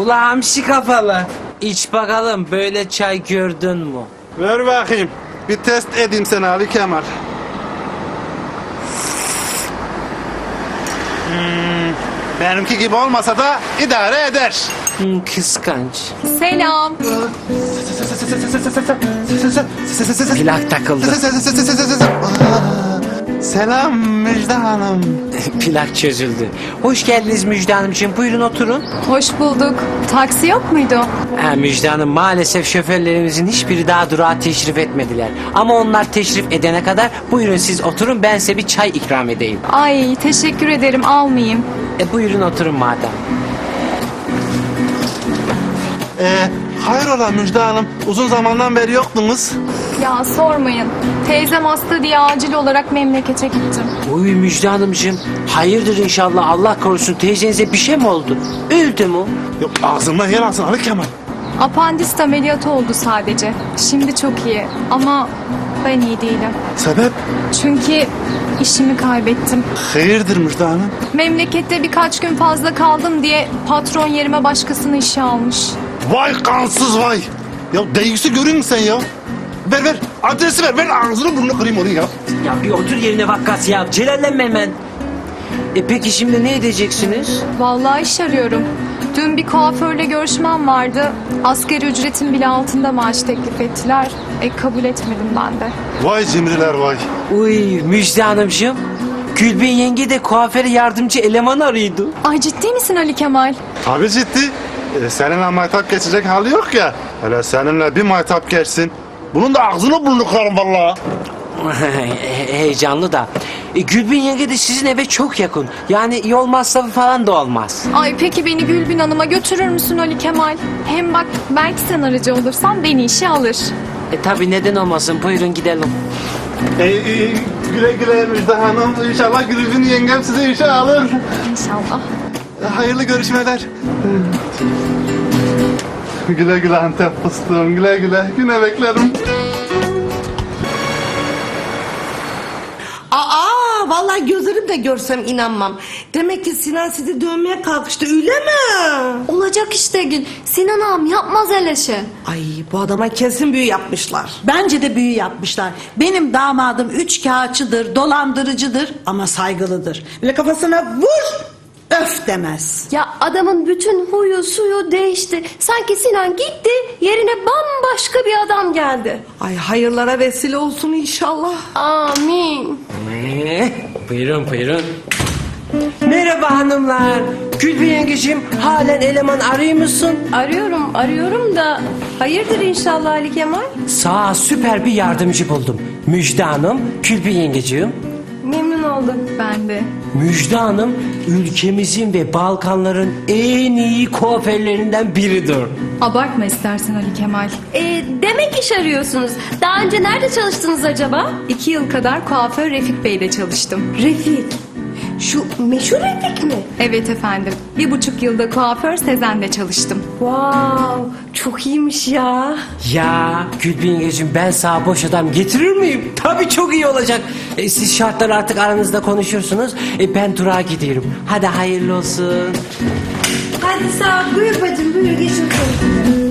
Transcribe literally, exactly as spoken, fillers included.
Ula hamsi kafalı. İç bakalım, böyle çay gördün mü? Ver bakayım. Bir test edeyim seni Ali Kemal. Hmm, benimki gibi olmasa da idare eder. Hmm, kıskanç. Selam. Plak takıldı. Selam Müjde Hanım. Plak çözüldü. Hoş geldiniz Müjde Hanımcığım. Buyurun oturun. Hoş bulduk. Taksi yok muydu? Ha, Müjde Hanım, maalesef şoförlerimizin hiçbiri daha durağa teşrif etmediler. Ama onlar teşrif edene kadar buyurun siz oturun, ben size bir çay ikram edeyim. Ay teşekkür ederim, almayayım. E buyurun oturun madem. Ee, hayrola Müjde Hanım? Uzun zamandan beri yoktunuz. Ya sormayın. Teyzem hasta diye acil olarak memlekete gittim. Uy Müjde Hanımcığım, hayırdır inşallah, Allah korusun, teyzenize bir şey mi oldu? Öldü mü? Yok, ağzından yer alsın Ali Kemal. Apandisit ameliyatı oldu sadece. Şimdi çok iyi ama ben iyi değilim. Sebep? Çünkü işimi kaybettim. Hayırdır Müjde Hanım? Memlekette birkaç gün fazla kaldım diye patron yerime başkasını işe almış. Vay kansız vay. Ya değgisi görün sen ya. Ver ver adresi ver. Ben ağzını burnunu kırayım onu ya. Ya bir otur yerine vakkas ya, celallenme hemen. E peki şimdi ne edeceksiniz? Vallahi iş arıyorum. Dün bir kuaförle görüşmem vardı. Asgari ücretin bile altında maaş teklif ettiler. E kabul etmedim ben de. Vay cimriler vay. Uy Müjde Hanımcığım, Gülbin yenge de kuaföre yardımcı eleman arıyordu. Ay ciddi misin Ali Kemal? Abi ciddi. Ee, seninle maytap geçecek hali yok ya. Hele seninle bir maytap geçsin. Bunun da ağzını burnunu kırarım vallahi. He- Heyecanlı da. E, Gülbin yenge de sizin eve çok yakın. Yani yol masrafı falan da olmaz. Ay peki beni Gülbin Hanım'a götürür müsün Ali Kemal? Hem bak belki sen aracı olursan beni işe alır. E tabi, neden olmasın, buyurun gidelim. Ee, e, güle güle Müjde Hanım. İnşallah Gülbin yengem size işe alır. İnşallah. Ee, Hayırlı görüşmeler. Güle güle Antep fıstığım. Güle güle. Güne beklerim. Aa, vallahi gözlerimle görsem inanmam. Demek ki Sinan sizi dövmeye kalkıştı, öyle mi? Olacak işte Gül. Sinan ağam yapmaz öyle şey. Ay, bu adama kesin büyü yapmışlar. Bence de büyü yapmışlar. Benim damadım üç kağıtçıdır, dolandırıcıdır ama saygılıdır. Böyle kafasına vur, öf demez. Ya adamın bütün huyu suyu değişti. Sanki Sinan gitti, yerine bambaşka bir adam geldi. Ay, hayırlara vesile olsun inşallah. Amin. Ee, buyurun buyurun. Merhaba hanımlar. Gülbin yengeciğim, halen eleman arıyor musun? Arıyorum, arıyorum da hayırdır inşallah Ali Kemal? Sağ süper bir yardımcı buldum. Müjde Hanım, Gülbin yengeciğim. Memnun oldum. Ben de. Müjde Hanım, ülkemizin ve Balkanların en iyi kuaförlerinden biridir. Abartma istersen Ali Kemal. Ee, demek iş arıyorsunuz. Daha önce nerede çalıştınız acaba? İki yıl kadar kuaför Refik Bey'de çalıştım. Refik. Şu meşhur Refik mi? Evet efendim. Bir buçuk yılda kuaför Sezen'de çalıştım. Wow, çok iyiymiş ya. Ya Gülbin yengeciğim, ben sana boş adam getirir miyim? Tabii çok iyi olacak. E, siz şartları artık aranızda konuşursunuz. E, ben durağa gidiyorum. Hadi hayırlı olsun. Hadi sağ ol, buyur bacım, buyur geçin.